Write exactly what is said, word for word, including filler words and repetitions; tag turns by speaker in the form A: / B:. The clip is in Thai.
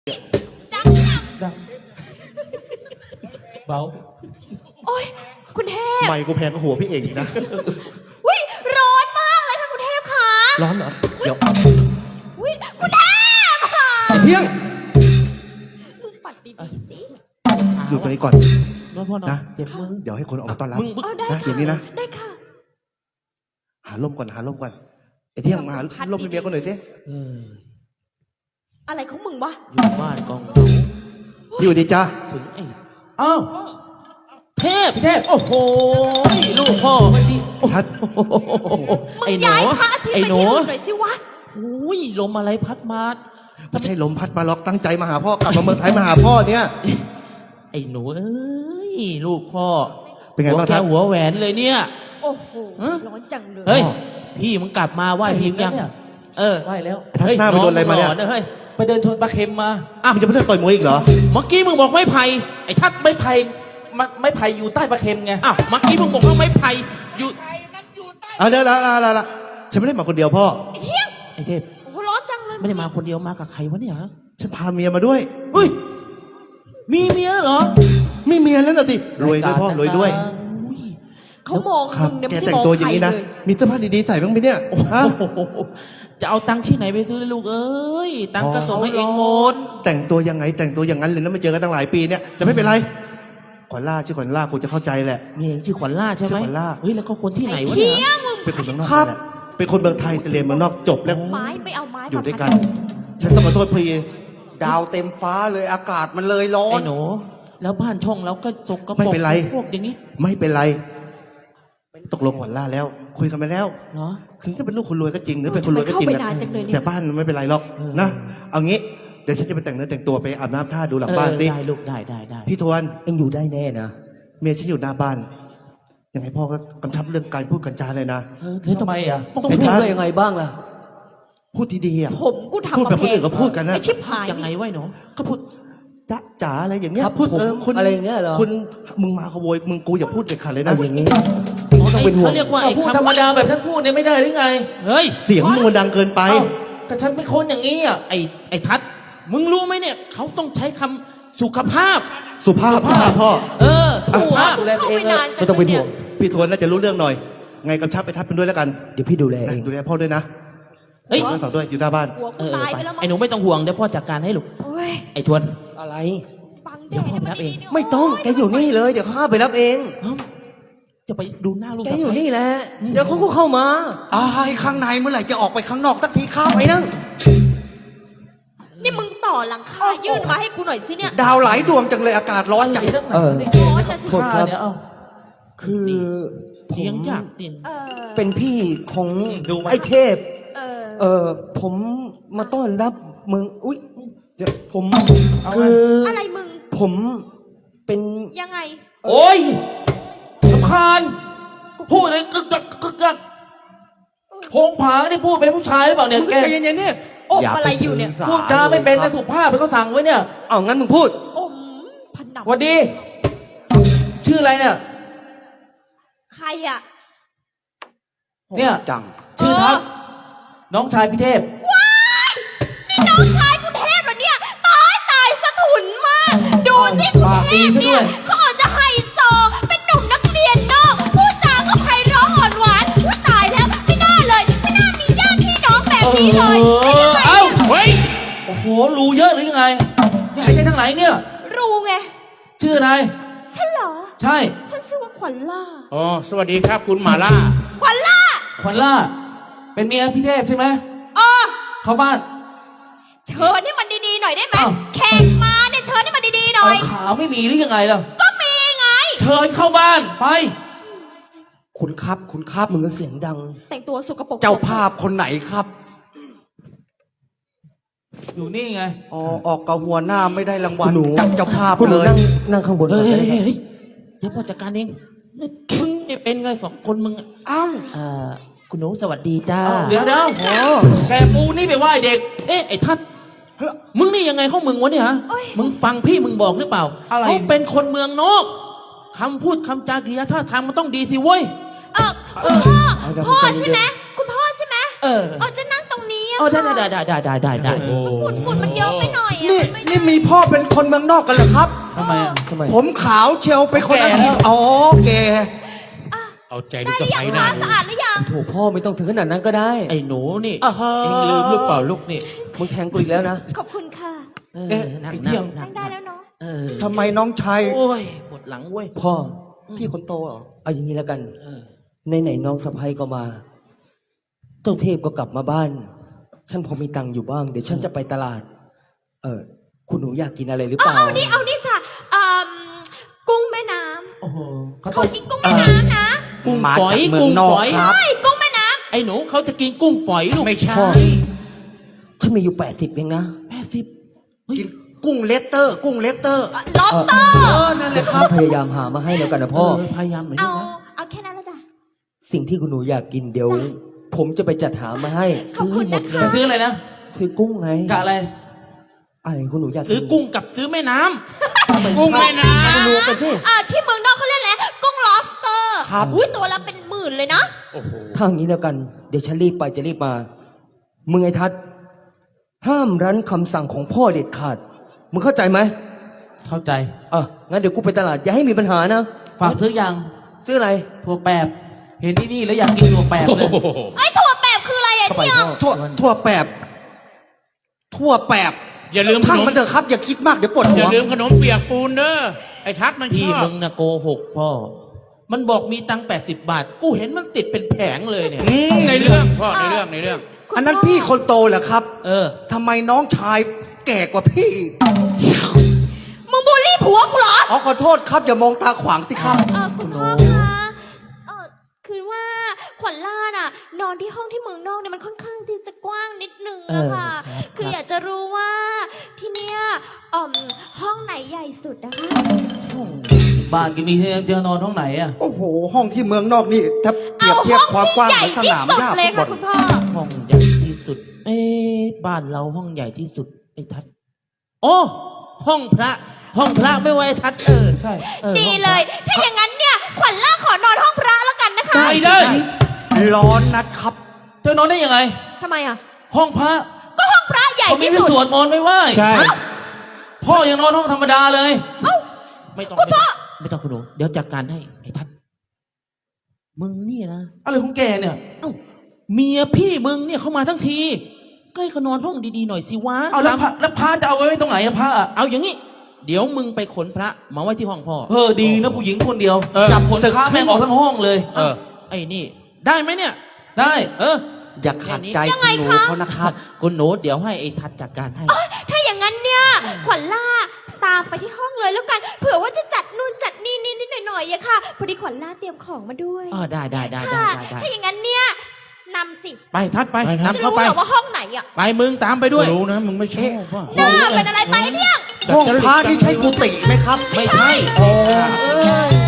A: ดังดังเบาโอ้ยคุณเทพ
B: ไม่กูแพงกว่าหัวพี่เองนะ
A: วิร้อนมากเลยค่ะคุณเทพค่ะ
B: ร้อนเหรอเดี๋ยว
A: วิคุณเทพค่ะ
B: เที่ยง
A: มึงปัดดีๆสิ
B: อยู่ตรงนี้ก่อนนะ
A: เจ็บมือ
B: เดี๋ยวให้คนออกมาต้อนรับ
A: นะ
B: เดี๋ยวนี้นะ
A: ได้ค่ะ
B: หาร่มก่อนหาร่มก่อนไอ้เที่ยงมาหาร่มเมียก่อนหน่อยสิ
A: อะไรของมึงวะ
C: อยู่บ้านกอง
B: อยู่ดีจ้า
C: ถึงไอ้อ้าวเทพพี่เทพโอ้โหลูกพ่อมันดี
B: พัด
A: มึงย้ายพระอาทิตย์ไปที่อื่นหน่อยสิวะ
C: อุ้ยลมอะไรพัดมา
B: ไม่ใช่ลมพัดมาล็อกตั้งใจมาหาพ่อกลับมาเมืองไทยมาหาพ่อเนี่ย
C: ไอ้หนูเอ้ยลูกพ่อ
B: เป็นไงบ้าง
C: ครับหัวแหวนเลยเนี่ย
A: โอ้โหร้อนจังเลย
C: เฮ้ยพี่มึงกลับมาไหว้พี่ยังเออไหว้แล้ว
B: เฮ้ยหน้าไปโดนอะไรมาเนี่ย
C: เฮ้ยไปเดินชนปลาเค็มมา
B: อ้าวมึงจะไปเล่นต่อยมวยอีกเหรอ
C: เมื่อกี้มึงบอกไม่ไผ่ไอ้ทัดไม่ไผ่ไม่ไผ่อยู่ใต้ปลาเค็มไงอ้าวเมื่อกี้มึงบอกว่าไม่ไผ่อยู่
B: อ่ะเดี๋ยวละละละละฉันไม่ได้มาคนเดียวพ่อ
A: ไอ้เที่ยง
C: ไอ้เทพ
A: โอ้โหร้อนจังเลย
C: ไม่ได้มาคนเดียวมากับใครวะเนี่ย
B: ฉันพาเมียมาด้วย
C: เฮ้ยมีเมียเหรอ
B: ไม่เมียแล้วน่ะสิรวยด้วยพ่อรวยด้วย
A: เขามองมึงเนี่ยไม่ใช่มองใครเลย
B: มีเสื้อผ้าดีๆใส่บ้างไหมเนี่ย
C: จะเอาตังค์ที่ไหนไปซื้อลูกเอ้ยตังค์ก็ส่งให้เองหมด
B: แต่งตัวยังไงแต่งตัวอย่างนั้นเลยนะไม่เจอกันตั้งหลายปีเนี่ยแต่ไม่เป็นไรขวัญล่าชื่อขวัญล่ากูจะเข้าใจแหละ
C: มีเองชื่อขวัญล่าใช่ไหม
B: ขวัญล่า
C: เฮ้ยแล้วก็คนที่ไหนวะเนี่ย
B: เป็นคนเมืองนอกแหละเป็นคนเมืองไทยแต่เรียนเมืองนอกจบแล้ว
A: ไม้ไปเอาไม้
B: อยู่ด้วยกันฉันต้องขอโทษพี่
D: ดาวเต็มฟ้าเลยอากาศมันเลยร้อน
C: ไอ้หนูแล้วบ้านช่องเราก็สกปรก
B: ไม่เป็นไร
C: พวกอย่างนี้
B: ไม่เป็นไรตกลงขวัญล่าแล้วคุยกันไปแล้ว
C: เหรอ
B: ถึงจะเป็นลูกคนรวยก็จริงหรือเป็นคนรวยก็จริงนะแต่บ้านมันไม่เป็นไรหรอกนะเอางี้เดี๋ยวฉันจะไปแต่งเนื้อแต่งตัวไปอาบน้ำท่าดูหลังบ้านสิ
C: ได้ลูกได้ได้ได้
B: พี่ทวน
D: เอ็งอยู่ได้แน่นะ
B: เมียฉันอยู่หน้าบ้านยังไงพ่อก็กำชับเรื่องการพูดกันจาเลยนะ
C: แล้วทำไมอ่ะ
D: ต้องพูดได้ยังไงบ้างล่ะ
B: พูดดีๆอ่ะ
A: ผมกูทำ
B: พูดแบบคนอื่นก็พูดกันนะ
A: ไอชิบหาย
C: ยังไงไว้หนู
B: ก็พูดจ๊ะจ๋าอะไรอย่างเงี้ย
D: พูดเออคุณอะไรอย่างเงี้ยเหรอ
B: คุณมึงมาขโมยมึงกูอย่าพูดเด็ดขาดเลยนะ
D: อย่างงี้
C: ต้องเป็นห่วงเขาเรียกว่าไอ้ธรรมดาแบบท่านพูดเนี่ยไม่ได้หรือไงเฮ้ย
B: เสียงมึงดังเกินไป
C: แต่ฉันไม่คนอย่างนี้อ่ะไอ้ไอ้ทัดมึงรู้ไหมเนี่ยเขาต้องใช้คำสุขภาพ
B: สุภาพพ่อ
C: เออสุภาพ
A: ดูแลเอง
B: ไม่ต้องเป็นห่วงพี่ทวนน่าจะรู้เรื่องหน่อยไงกำชับไปทัดเป็นด้วยแล้วกัน
D: เดี๋ยวพี่ดูแลเอง
B: ดูแลพ่อด้วยนะ
C: เฮ้ย
B: ฝากด้วยอยู่หน้าบ้าน
C: ไอ้หนูไม่ต้องห่วงเดี๋ยวพ่อจัดการให้ลูกไอ้ทวน
D: อะไร
C: เดี๋ยวพ่อไปรับเอง
D: ไม่ต้องแกอยู่นี่เลยเดี๋ยวข้าไปรับเอง
C: จะไปดูหน้าลูก
D: แกอยู่นี่แหละเดี๋ยวเขาก็เข้ามา
B: อ้ายข้างในเมื่อไหร่จะออกไปข้างนอกสักทีข้า
D: ไปนั่ง
A: นี่มึงต่อหลังคายื่นมาให้กูหน่อยสิเนี่ย
B: ดาวหลายดวงจังเลยอากาศร้อนจัง
D: เออ
A: ร้อนนะสิ
D: ครับคือ
C: เสียงจากดิน
D: เป็นพี่ของไอ้เทพเออผมมาต้อนรับมึงอุ้ยผมคือ
A: อะไรมึง
D: ผมเป็น
A: ยังไง
C: โอ้ยสำคัญพูดอะไรกึกกักกึกกักพงผาเนี่ยพูดเป็นผู้ชายหรือเปล่าเนี่ยแก
B: เย็นๆเนี่ย
A: อบอะไรอยู่เนี่ย
C: พูดจาไม่เป็นแต่สุภาพเป็นเขาสั่งไว้เนี่ย
B: เอางั้นมึงพูด
A: อมพันด
C: ำวันดีชื่ออะไรเนี่ย
A: ใครอ่ะ
C: เนี่ย
D: จัง
C: ชื่อทัพน้องชายพี่เทพ
A: ว้ายนี่น้องชายกูเทพเหรอเนี่ยตายตายสะทุนมากดูสิกูเทพเนี่ยเขาอาจจะไฮโซเป็นหนุ่มนักเรียนนอกพูดจาก็ไพเราะอ่อนหวานว่าตายแล้วไม่น่าเลยไม่น่ามีญาติพี่น้องแบบนี้เลยไม่ได้ไง
C: เอ้าเฮ้ยโอ้โหรู้เยอะหรือยังไงนี่ใครใช่ทั้งหลายเนี่ย
A: รู้ไง
C: ชื่ออะไร
A: ฉันเหรอ
C: ใช่
A: ฉันชื่อว่าขวัญล่า
E: อ๋อสวัสดีครับคุณหมาล่า
A: ขวัญล่า
C: ขวัญล่าเป็นเมียพี่เทพใช่ไหม
A: เออ
C: เข้าบ้าน
A: เชิญให้มันดีๆหน่อยได้ไหมแขกมาเนี่ยเชิญให้มันดีๆหน่อย
C: ขาไม่มีหรือยังไงล่ะ
A: ก็มีไง
C: เชิญเข้าบ้านไป
D: คุณครับคุณครับมึงก็เสียงดัง
A: แต่งตัวสกปรก
D: เจ้าภาพคนไหนครับ
C: อยู่นี่ไง
D: อ๋อออกกับหัวหน้าไม่ได้รางวัลจับเจ้าภาพเลย
C: นั่งข้างบนเฮ้ยเฮ้ยเดี๋ยวพ่อจัดการเองมึงเนี่ยเป็นไงสองคนมึง
D: อ้าว
C: เอ่อคุณหนูสวัสดีจ้าเดี๋ยวเดี๋ยวแกปูนี่ไปไหว้เด็กเอ๊ะไอ้ทัดมึงนี่ยังไงเข้ามึงวะเนี่ยฮะมึงฟังพี่มึงบอกหรือเปล่าเขาเป็นคนเมืองนอกคำพูดคำจากริยาท่าทางมันต้องดีสิเว้ย
A: เออคุณพ่อพ่อใช่ไหมคุณพ่อใช่ไหม
C: เออ
A: เออจะนั่งตรงนี้
C: อ๋อได้ได้ได้ได้ได้ได้ได้
A: ฝุ่นฝุ่นมันเยอะไปหน่อย
D: นี่นี่
B: มีพ่อเป็นคนเมืองนอกกันเหรอครับ
C: ทำไมอ่ะ
D: ทำไม
B: ผมขาวเชียวเป็นคนอังกฤษ
C: แก่แล้ว
B: อ๋อแก
E: เอาใจ
A: ได้
E: ลูก
A: ห
E: สะ
A: รือยัง
E: ใภ้หน่
A: คะ
E: อย
A: สะอาดหรือยัง
D: โถพ่อไม่ต้องถึงขนาดนั้นก็ได้
C: ไอ้หนูนี่
B: อ่าฮะ
C: เอ็งลืมหรือเปล่าลูกนี่
D: มึงแทงกูอีกแล้วนะ
A: ขอบคุณค่ะ
C: เออ
B: เอ๊ะ
C: นั่ง
B: ไอ้เที่
C: นั่
B: ย
C: ง
B: ง
C: นั่
A: นั่
C: ง
A: งได้แล้วเนาะ
C: เออ
B: ทำไมน้องชาย
C: โอ้ยปวดหลังเว้ย
D: พ่อ
B: พี่คนโตเหรอ
D: เอาอย่างนี้แล้วกัน
C: เออ
D: ในไหนๆน้องสะพ้ยก็มา เจ้าเทพก็กลับมาบ้าน ฉันพอมีตังค์อยู่บ้าง เดี๋ยวฉันจะไปตลาด เออ คุณหนูอยากกินอะไรหรือเป
A: เอา
D: ล่า
A: เอานี่เอานี่จ้ะอืมกุ้งแม่น้
C: โอ้โหเขา
A: ำ
C: ต้
A: ข
C: อ
A: อง กินกุ้งแม่น้ำนะ
C: กุ้ง
B: มา
C: ฝอย
B: จากเมือง
C: กุ้ง
B: นอก
C: ฝอย
B: ครับ
A: ใช่กุ้งแม่น้
C: ไอ้หนูเขาจะกินกุ้งฝอยลูก
E: ไม่ใช่
D: พ่อ ฉันมีอยู่แปดสิบเองนะ
C: แปดสิบเฮ้ย
B: กินกุ้งเลสเตอร์ กุ้งเลสเตอร์
A: ำล็อบสเตอร์
B: เออ นั่นแหละครับ
D: พยายามหามาให้แล้วกันนะพ่อ
C: เพยายามหน่อย
A: เอา
C: ลูกนะ
A: เอาแค่นั้นแล้วจ้ะ
D: สิ่งที่คุณหนูอยากกินเดี๋ยว ผมจะไปจัดหามาให้
A: ขอบคุณ
C: หม
A: นะ
C: ด
A: คะ
C: ไปซื้ออะไรนะ
D: ซื้อกุ้งไง
C: กะอะไร
D: อะไรคุณหนูอยาก
C: ซื้อกุ้งกับซื้อแม่น้ำ
E: กุ้งแม่น้
D: รวมกันสิ
A: อ่าที่เมืองนอกเขาเรียกอะไรกุ้งล็อบสเตอร์
B: ครับ
A: อุ้ยตัวละเป็นหมื่นเลยนะ
E: ำโอ้โห
D: ถ้าอย่างนี้แล้วกัน เดี๋ยวฉันรีบไปจะรีบมา มึงไอ้ทัศน์ห้ามรั้นคำสั่งของพ่อเด็ดขาด มึงเข้าใจไหม
C: เข้าใจ
D: เอองั้นเดี๋ยวกูไปตลาดอย่าให้มีปัญหานะ
C: ฝากซื้อยัง
D: ซื้ออะไร
C: ถั่วแปบเห็นที่นี่แล้วอยากกินถั่วแปบเลย
A: ไอ้ถั่วแปบคืออะไรอะ
D: เข้าไป
A: เที่ยง
D: พ่อ
B: ทั่วทั่วแปบ ทั่วแปบ
E: อย่าลืมข
B: ช่าง
E: นม
B: มันเถอะครับ อย่าคิดมากเดี๋ยวปวด
E: อ
B: หัว
E: ย่าลืมขนมเปียกปูนเด้อ ไอ้ทัดมันช
C: พี่
E: อบ
C: มึงนะโกหกพ่อ มันบอกมีตังแปดสิบบาท กูเห็นมันติดเป็นแผงเลยเนี่ย
E: อืมในเรื่องพ่อในเรื่องในเรื่อง
A: คุณ
B: อันนั้น
A: พ่
B: พี่คนโตเหรอครับ
C: เออ
B: ทำไมน้องชายแก่กว่าพี่
A: มึงบูลลี่ผัวกูเหรอ
B: อ๋อขอโทษครับอย่ามองตาขวางสิครับ
A: เออคุณพ่อคะเออคือว่าขวัญล่าน่ะ นอนที่ห้องที่เมืองนอกเนี่ยมันค่อนข้างที่จะกว้างนิดนึงอะค่ะ
D: เออครับ
A: คืออยากจะรู้ว่าที่เนี้ยอ่อมห้องไหนใหญ่สุดนะคะ
C: บ้านกินมีเตียงนอนห้องไหนอ่ะ
B: โอ้โห ห้องที่เมืองนอกนี่ถ้าเปรี
A: เอา
B: ยบเทีย
A: ห้
B: บ
A: อง
B: ความกว้าง
A: ที่ใหญ่
B: ของส
A: ที่
B: นาม
A: สุด
B: หญ้า
A: เลย
B: ฟุตบอ
A: ค่ะ
B: ล
A: คุณพ่อ
C: ห้องใหญ่ที่สุด เอ๊ะบ้านเราห้องใหญ่ที่สุดไอ้ทัดโอ้ห้องพระ ห้องพระไม่ไว้ไอ้ทัดเออใช่ออ
A: ดี
C: ห้องพระ
A: เลย ถ้าอย่างนั้นเนี่ยขวัญล่าขอนอนห้องพระแล้วกันนะคะ
C: ได้เลย
B: ร้อนนัดครับ
C: เธอนอนได้ยังไง
A: ทำไมอ่ะ
C: ห้องพระ
A: ก็ห้องพระใหญ่
C: เขามี
A: ที่
C: ให้
A: สุด
C: สวดมนต์ไม่ไหว
E: ใช่
C: พ่อยังนอนห้องธรรมดาเลย
A: เอ้า
C: ไม่ต้อง
A: คุณพ่อ
C: ไม่ต้องคุณหนูเดี๋ยวจัดการให้ไอ้ทัดมึงนี่นะอะไรของแกเนี่ยเอ้าเมียพี่มึงเนี่ยเข้ามาทั้งทีก็ให้เขานอนห้องดีๆหน่อยสิวะ
F: เอาแล้วพระแล้วพระจะเอาไว้ไว้ตรงไหนอะพระอะ
C: เอาอย่างนี้ เดี๋ยวมึงไปขนพระมาไว้ที่ห้องพ่อ
F: เออดีนะผู้หญิงคนเดียว
E: เออ
F: จับคนพระแม่งออกทั้งห้องเลย
E: เออ
C: ไอ้นี่ ได้ไหมเนี่ย
F: ได้
C: เออ
B: อย่าขัดใจ
A: ยังไง
B: คุณหนู
A: คะ
B: เขานะครับ
C: คุณหนูเดี๋ยวให้ไอ้ทัดจัดการให้
A: ถ้าอย่างนั้นเนี่ยขวัญล่าตามไปที่ห้องเลยแล้วกัน เผื่อว่าจะจัดนู่นจัดนี่นิดนิดหน่อยหน่อยๆอะค่ะ พอดีขวัญล่าเตรียมของมาด้วย
C: เออได้ได้ได้ได้
A: ค่ะ
C: ได้ได้
A: ถ้าอย่างนั้นเนี่ยนำสิ
C: ไปทัดไป
E: ไปทัด
A: จะ
C: นำเข้า
A: รู้
C: ไป
A: เหรอว่าห้องไหนอะ
C: ไปมึงตามไปด้วย
E: รู้นะมึงไม่ชอบว่ะ
A: หน้าเป็นอะไรไปเที่ยง
B: ห้องพระนี่ใช่กุฏิไหมครับ
C: ไม่ใช่
B: อ๋อ
C: เออ